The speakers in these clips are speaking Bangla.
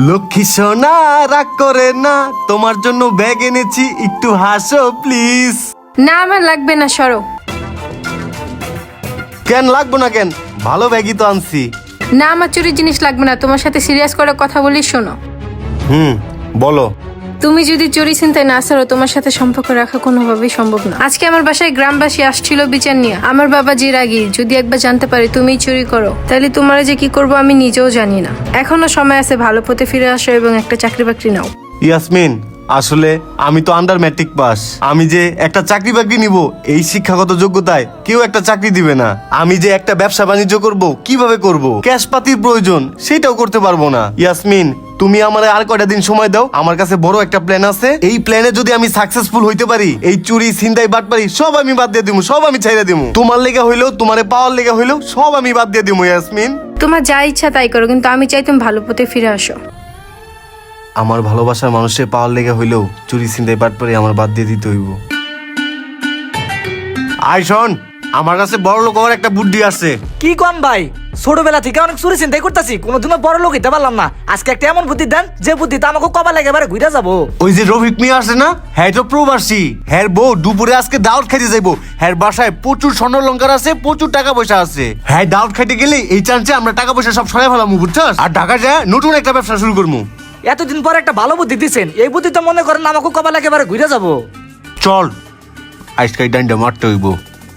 লক্ষ্মী সোনা রাগ করে না, তোমার জন্য ব্যাগ এনেছি, একটু হাসো প্লিজ। না আমার লাগবে না, সরো। কেন লাগবো না কেন? ভালো ব্যাগই তো আনছি। না আমার চুরির জিনিস লাগবে না, তোমার সাথে সিরিয়াস করে কথা বলি, শোনো। বলো। তুমি যদি চুরি চিন্তায় না ছাড়ো, তোমার সাথে সম্পর্ক রাখা কোনোভাবেই সম্ভব না। আজকে আমার বাসায় গ্রামবাসী আসছিল বিচার নিয়ে। আমার বাবা যে রাগী, যদি একবার জানতে পারে তুমি চুরি করো, তাহলে তোমার যে কি করবো আমি নিজেও জানি না। এখনো সময় আছে, ভালো পথে ফিরে আসো এবং একটা চাকরি বাকরি নাও। ইয়াসমিন, আসলে আমি তো আন্ডার ম্যাট্রিক পাস। আমি যে একটা চাকরি বাকরি নিব, এই শিক্ষাগত যোগ্যতায় কেউ একটা চাকরি দিবে না। আমি যে একটা ব্যবসা বাণিজ্য করব, কিভাবে করব, ক্যাশ পাতির প্রয়োজন, সেটাও করতে পারবো না। ইয়াসমিন, তুমি আমারে আর কয়টা দিন সময় দাও। আমার কাছে বড় একটা প্ল্যান আছে। এই প্ল্যানে যদি আমি সাকসেসফুল হইতে পারি, এই চুরি ছিনতাই বাটপারি সব আমি বাদ দিয়ে দিমু, সব আমি ছাইড়া দিমু। তোমার লেগে হইলেও, তোমারে পাওয়ার লেগে হইলেও সব আমি বাদ দিয়ে দিমু। ইয়াসমিন, তোমার যা ইচ্ছা তাই করো, কিন্তু আমি চাই তুমি ভালো পথে ফিরে আসো। আমার ভালোবাসার মানুষের পাওয়ার লেগে হইলেও চুরি ছিনতাই বাটপারি আমার বাদ দিয়ে দিতে হইব। আয় শোন, আমার কাছে বড় লোক হওয়ার একটা বুদ্ধি আছে। কি কোন ভাই? ছোটবেলা থেকে অনেক চুরি চিন্তাই করতেছি, কোনোদিনও বড় লোক হইতে পারলাম না। আজকে একটা এমন বুদ্ধি দেন যে বুদ্ধিতে আমাকে কবা লাগে এবারে ঘুরে যাবো। ওই যে রফিক মিয়া আছে না, হ্যাঁ তো প্রবাসী। হ্যার বউ দুপুরে আজকে দাওয়াত খাইতে যাইবো। হ্যার বাসায় প্রচুর স্বর্ণলঙ্কার আছে, প্রচুর টাকা পয়সা আছে। হ্যাঁ দাওয়াত খাইতে গেলে এই চান্সে আমরা টাকা পয়সা সব সরাই ফেলাম, বুঝছস? আর ঢাকা যায় নতুন একটা ব্যবসা শুরু করবো। এতদিন পর একটা ভালো বুদ্ধি দিচ্ছেন, এই বুদ্ধিতে মনে করেন আমাকে কবা লাগে এবারে ঘুরে যাবো। চল আজকাই ডান্ডা মারতে হইব।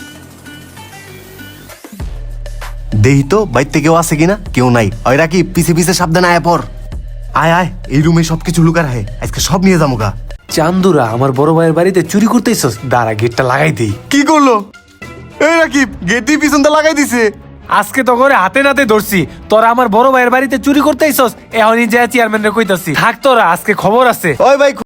দেহি তো বাইতে কেউ আছে কিনা। কেউ নাই। ওই রাকি, পিছে পিছে সাবধানে আয় পর। আয় আয়, এই রুমে সবকিছু লুকার হয়, আজকে সব নিয়ে যাবো গা। চান্দুরা আমার বড় ভাইয়ের বাড়িতে চুরি করতেইছস, দাঁড়া গেটটা লাগাই দেই। কি করলো? এই রাকিব, গেট দিয়ে পিছনটা লাগাই দিছে। আজকে তো করে হাতে নাতে ধরছি, তোরা আমার বড় ভাইয়ের বাড়িতে চুরি করতেইছস। এখনই যা চেয়ারম্যান রে কইতাছি, থাক তোরা, আজকে খবর আছে। ওই ভাই